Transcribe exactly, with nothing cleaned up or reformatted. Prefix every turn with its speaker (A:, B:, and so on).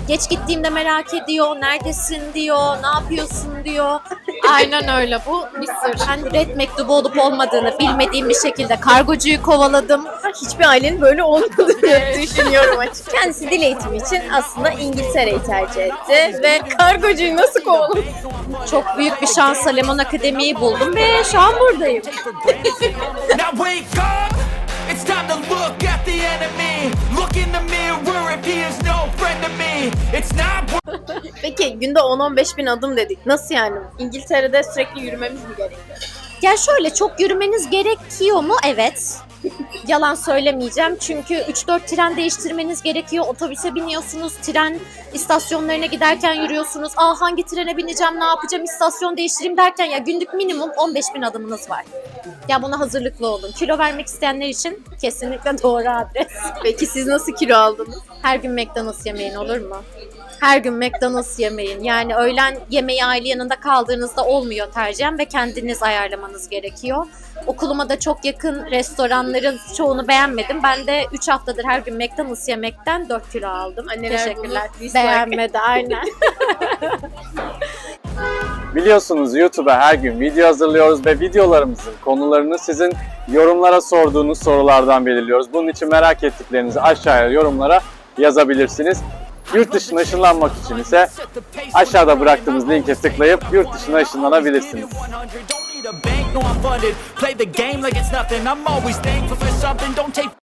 A: Geç gittiğimde merak ediyor, neredesin diyor, ne yapıyorsun diyor.
B: Aynen öyle, bu bir sır.
A: Ben red mektubu olup olmadığını bilmediğim bir şekilde kargocuyu kovaladım.
C: Hiçbir ailenin böyle olmadığını düşünüyorum açıkçası. Kendisi dil eğitimi için aslında İngiltere'yi tercih etti ve kargocuyu nasıl kovaladı?
A: Çok büyük bir şansla Lemon Akademi'yi buldum ve şu an buradayım.
D: Now wake up! It's time to look at the enemy. Look in the mirror if he is no friend to me. It's not.
C: Peki günde on on beş bin adım dedik. Nasıl yani? İngiltere'de sürekli yürümemiz mi gerekiyor?
A: Ya şöyle, çok yürümeniz gerekiyor mu? Evet. Yalan söylemeyeceğim çünkü üç dört tren değiştirmeniz gerekiyor. Otobüse biniyorsunuz, tren istasyonlarına giderken yürüyorsunuz. Aa, hangi trene bineceğim, ne yapacağım, istasyon değiştireyim derken ya günlük minimum on beş bin adımınız var. Ya buna hazırlıklı olun. Kilo vermek isteyenler için kesinlikle doğru adres.
C: Peki siz nasıl kilo aldınız?
A: Her gün McDonald's yemeyin, olur mu? Her gün McDonald's yemeyin. Yani öğlen yemeği aile yanında kaldığınızda olmuyor tercihen ve kendiniz ayarlamanız gerekiyor. Okuluma da çok yakın restoranların çoğunu beğenmedim. Ben de üç haftadır her gün McDonald's yemekten dört kilo aldım.
C: Anneler
A: Teşekkürler.
C: bunu dislike.
A: Beğenmedi, aynen.
E: Biliyorsunuz YouTube'a her gün video hazırlıyoruz ve videolarımızın konularını sizin yorumlara sorduğunuz sorulardan belirliyoruz. Bunun için merak ettiklerinizi aşağıya yorumlara yazabilirsiniz. Yurt dışına ışınlanmak için ise aşağıda bıraktığımız linke tıklayıp yurt dışına ışınlanabilirsiniz.
D: Play the game like it's nothing. I'm always thankful for something. Don't take